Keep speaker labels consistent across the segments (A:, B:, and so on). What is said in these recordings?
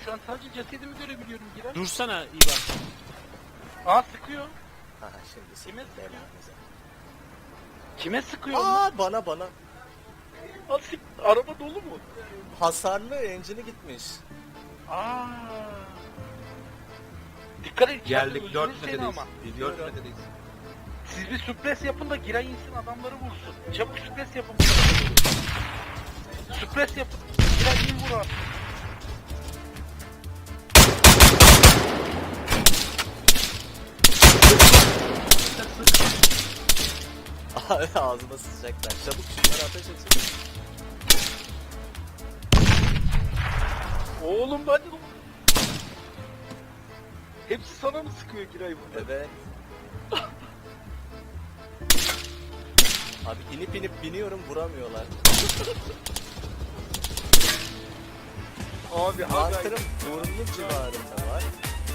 A: şu an sadece cesedimi görebiliyorum Giray.
B: Dursana İvan.
A: Aa sıkıyor.
C: Ha şimdi
A: Kime
C: sıkıntı
A: sıkıyor?
C: belanıza.
A: Kime sıkıyor?
C: Aa bana.
A: Aa, araba dolu mu?
C: Hasarlı engine'i gitmiş.
A: Aa. Dikkat et.
D: Geldik
A: içeride
D: 4
A: öldürür seni
D: metredeyiz.
A: ama.
D: 4 metredeyiz.
A: Siz bir supres yapın da Giray insin adamları vursun. Çabuk supres yapın. Supres yapın. Giray in vur abi.
C: Ağzına sıçacaklar. Çabuk şunları ateş edin.
A: Oğlum ben de... Hepsi sana mı sıkıyor Giray burada?
C: Evet. Abi inip biniyorum vuramıyorlar.
A: Abi
C: Hunter'ım burnun civarında var.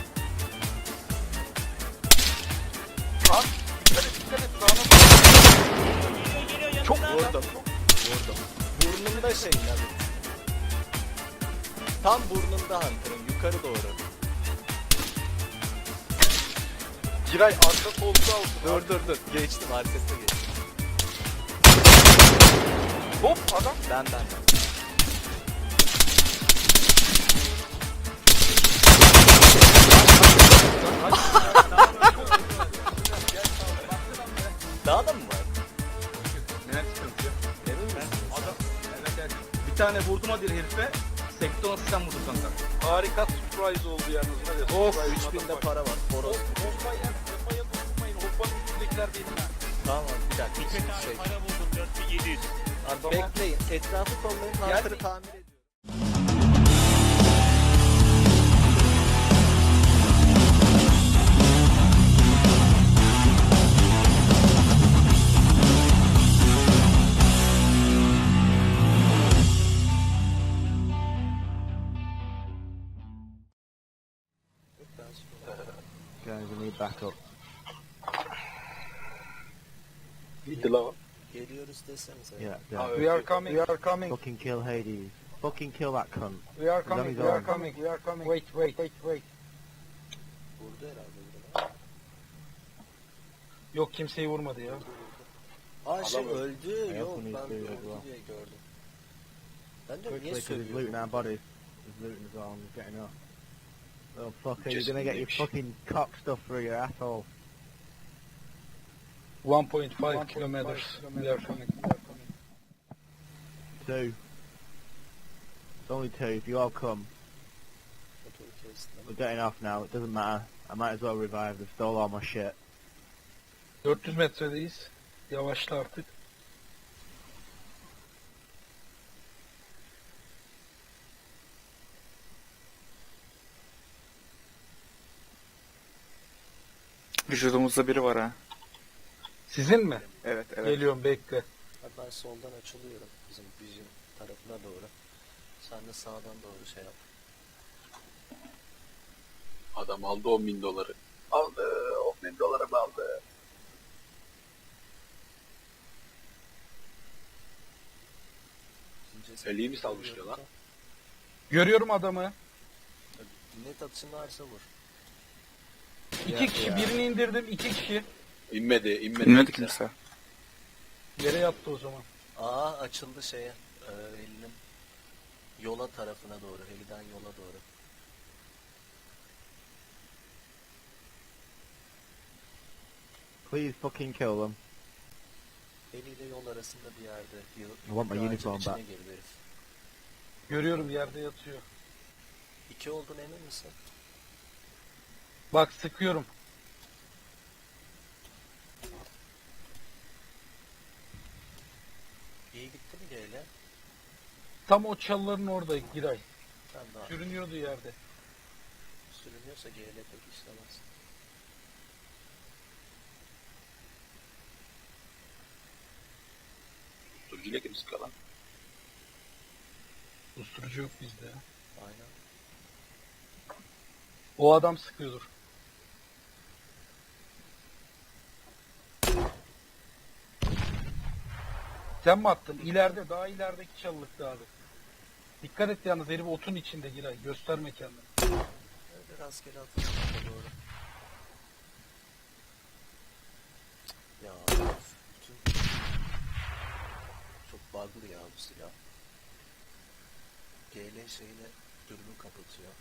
A: Abi dikkat et sağına bak. Çok
C: Vurdum. Burnumda şey tabii. Tam burnunda Hunter'ın yukarı doğru.
A: Giray arka koltuğa olsun.
C: Dur. Geçtim arkasına geçtim.
A: Hop adam.
C: Ben. Daha da mı var?
D: Neler sıkıntı yok.
C: Emin misin?
D: Adam. Evet. Bir tane vurdum hadi herife. Sekton asistan vurdum kanka.
A: Harika surprise oldu yalnız. Hadi,
C: Of
A: surprise
C: 3000'de
A: adam.
C: para var. Horoz.
A: Hoppaya dokunmayın. Hoppanın üstündekiler benim ha.
C: Tamam bir dakika.
B: Hikmet abi para buldum 4700.
C: Abi
A: Tamam.
C: bekleyin. Etrafı kollayın. Hunter'ı tamir ediyorum.
E: Guys, we need backup.
A: Gitti lan.
C: Geliyoruz desenize.
E: Yeah.
A: We are coming. We are coming.
E: Fucking kill Hades. Fucking kill that cunt.
A: We are
E: coming,
A: coming.
E: we
A: We
E: are
A: are coming. We are coming. Wait.
C: Vurdu herhalde. Biri.
A: Yok kimseyi vurmadı ya.
C: Aa şey
A: Adam
C: öldü.
E: I
C: Yok
E: also
C: ben
E: need to
C: öldü
E: as well.
C: diye gördüm. Ben de
E: Quickly,
C: niye
E: because he's looting
C: söylüyorum?
E: our bodies. He's looting us all and he's getting up. Oh fucker, you're
A: Just
E: gonna get your
A: nigga.
E: fucking cock stuff through your asshole.
A: 1.5 kilometers. We are coming.
E: Two. It's only two. If you all come,
C: Motoru kestim.
E: we're getting off now. It doesn't matter. I might as well revive. They've stole all my shit.
A: 400 metredeyiz. Yavaşla artık.
F: Vücudumuzda biri var ha.
A: Sizin mi?
F: Evet.
A: Geliyorum bekle.
C: Abi ben soldan açılıyorum. Bizim vision tarafına doğru. Sen de sağdan doğru şey yap.
G: Adam aldı 10.000 doları. Aldı. 10.000 doları aldı. Ali'yi mi salmıştı lan?
A: Görüyorum adamı.
C: Net atışın varsa vur.
A: İki kişi birini indirdim. 2 kişi.
G: İnmedi.
F: İnmedi kimse.
A: Yere yattı o zaman.
C: Aa açıldı şeye. Helinin yola tarafına doğru. Heliden yola doğru.
E: Please fucking kill them.
C: Heli ile yol arasında bir yerde.
E: I want my
C: Ağacın
E: uniform
C: içine
E: back.
C: girdi herif.
A: Görüyorum yerde yatıyor.
C: 2 oldun emin misin?
A: Bak sıkıyorum.
C: İyi gitti mi G'yle?
A: Tam o çalıların orada Giray.
C: Ben daha
A: Sürünüyordu yerde.
C: sürünüyorsa G'yle pek işlemez.
G: Turcuyla kim sıkıyor lan?
A: Usturucu yok bizde ya.
C: Aynen.
A: O adam sıkıyordur. Sen mi attın? İleride, daha ilerideki çalılıkta abi. Dikkat et yalnız herif otun içinde Giray. Gösterme kendini.
C: Öyle rastgele atmışım doğru. Ya bütün... Çok bug'lı ya bu silah. GL şeyine dürbün kapatıyor.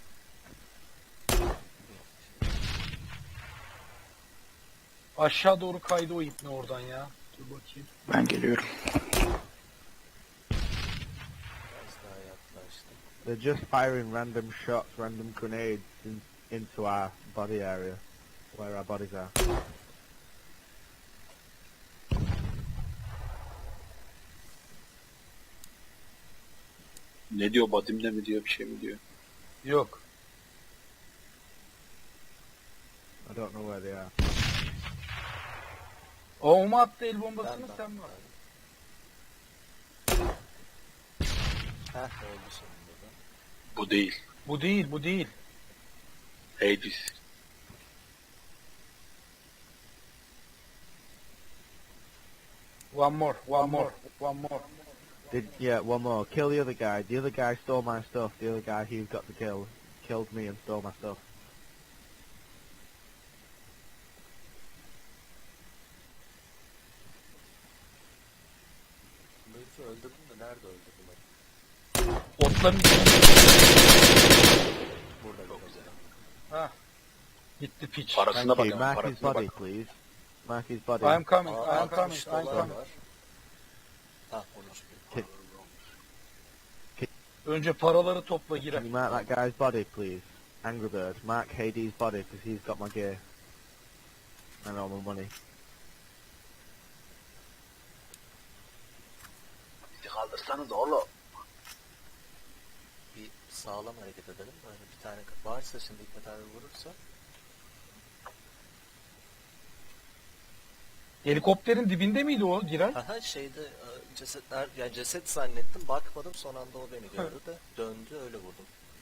A: Aşağı doğru kaydı o ipne oradan ya. Dur bakayım.
F: Ben geliyorum.
C: Biraz daha yaklaştım.
E: They're just firing random shots, random grenades into our body area, where our bodies are.
G: Ne diyor, badimde mi diyor, bir şey mi diyor?
A: Yok.
E: I don't know where they are.
A: O mu attı el bombasını
C: Ben-
A: sen mi attın?
C: Heh oldu sonunda da.
G: Bu değil.
A: Bu değil, bu değil.
G: Hades.
A: One more, one more, one more.
E: Yeah, one more. Kill the other guy. The other guy stole my stuff. The other guy who got the kill killed me and stole my stuff.
C: Bu herifi öldürdüm de nerede öldürdüm?
A: Otların içinde.
C: Burada çok güzel.
A: Ha. Gitti piç.
G: Parasına
E: Thank you.
G: bak ama,
E: Mark his
G: parasına
E: body,
G: bak.
E: please. Mark his body.
A: I am coming, I
C: Aa,
A: am coming,
C: 60
A: I am
C: dolar
A: coming.
C: var. Hah 13 bin.
A: Önce paraları topla
E: Can
A: Giray.
E: you mark that guy's body, please? Angry Bird. Mark Hades' body because he's got my gear and all my money.
G: Bizi kaldırsanız oğlum.
C: Bir sağlam hareket edelim. Böyle bir tane varsa şimdi Hikmet abi vurursa.
A: Helikopterin dibinde miydi o Giray?
C: Haha şeyde cesetler, yani ceset zannettim bakmadım son anda o beni gördü de döndü öyle vurdum.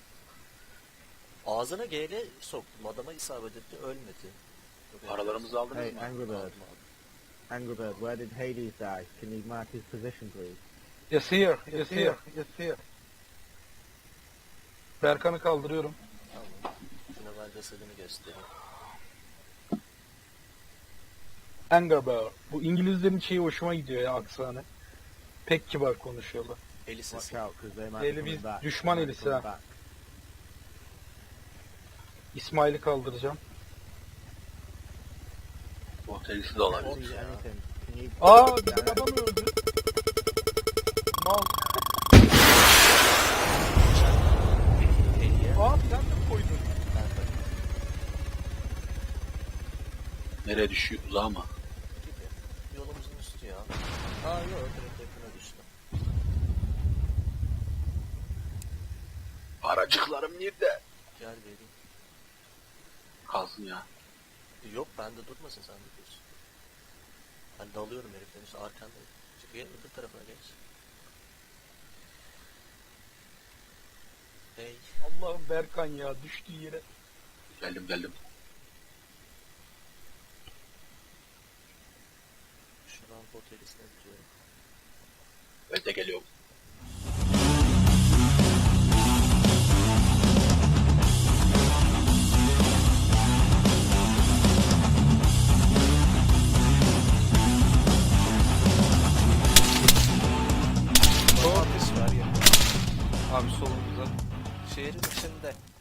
C: Ağzına GL soktum adama isabet etti ölmedi.
G: Paralarımızı aldınız
E: Hey,
G: mı?
E: Angry Bird.
C: Aldım, aldım.
E: Angry Bird, where did Hades die? Can you mark his position, please?
A: Yes here, yes here, yes here. Berkan'ı kaldırıyorum.
C: Tamam. Şuna ben cesedini göstereyim.
A: Anger Bear. Bu İngilizlerin şeyi hoşuma gidiyor ya aksanı. Pek kibar konuşuyorlar.
C: Eli
E: Watch
C: sesi.
E: out, because they might be
A: Eli
E: coming
A: biz
E: back.
A: düşman
E: They might be
A: elisi
E: coming
A: ha.
E: back.
A: İsmail'i kaldıracağım.
G: Bu telisi de
E: Can't
G: olabilir.
E: see anything. Can you...
A: Aa
E: Yeah.
A: bizim adam öldü. Mal.
C: Hediye.
A: Aa sen de koydun.
C: Ben de
G: Nereye düşüyor? Uzağa mı?
C: gibi. Yolumuzun üstü ya. Aa yok direkt yakına düştüm.
G: Paracıklarım nerede?
C: Gel vereyim.
G: Kalsın ya.
C: Yok bende durmasın sen de dursun. Ben dalıyorum heriften işte arkandayım. Çık gel öbür tarafına geç. Hey.
A: Allah'ım Berkan ya düştüğü yere.
G: Geldim.
C: Şu rampa otelisine gidiyorum.
G: Ben de geliyorum.
C: Doğru. Var ya.
A: Abi solumuzda.
C: Şehrin içinde.